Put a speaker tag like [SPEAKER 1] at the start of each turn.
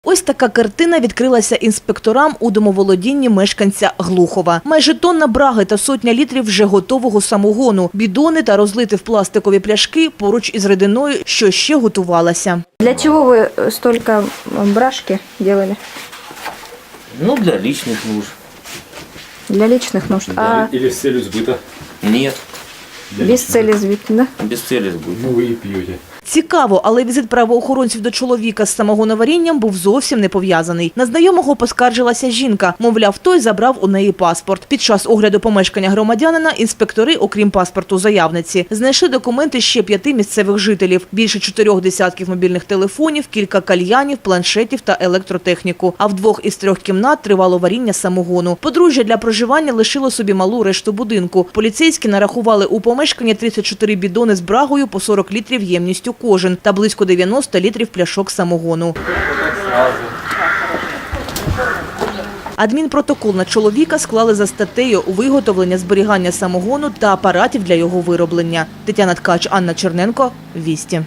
[SPEAKER 1] Ось така картина відкрилася інспекторам у домоволодінні мешканця Глухова. Майже тонна браги та сотня літрів вже готового самогону, бідони та розлити в пластикові пляшки поруч із рідиною, що ще готувалася.
[SPEAKER 2] Для чего вы столько брашки делали?
[SPEAKER 3] Ну, для личных нужд.
[SPEAKER 2] Для личных нужд. А
[SPEAKER 4] Или с целью сбыта.
[SPEAKER 3] Нет,
[SPEAKER 2] без цели сбить, да?
[SPEAKER 3] без цели сбыта.
[SPEAKER 4] Ну вы и пьете.
[SPEAKER 1] Цікаво, але візит правоохоронців до чоловіка з самогоноварінням був зовсім не пов'язаний. На знайомого поскаржилася жінка. Мовляв, той забрав у неї паспорт. Під час огляду помешкання громадянина інспектори, окрім паспорту заявниці, знайшли документи ще 5 місцевих жителів. Більше 4 десятків мобільних телефонів, кілька кальянів, планшетів та електротехніку. А в 2 із 3 кімнат тривало варіння самогону. Подружжя для проживання лишило собі малу решту будинку. Поліцейські нарахували у помешканні 34 бідони з брагою по 40 літрів ємністю кожен та близько 90 літрів пляшок самогону. Адмінпротокол на чоловіка склали за статтею «Виготовлення, зберігання самогону та апаратів для його вироблення». Тетяна Ткач, Анна Черненко, Вісті.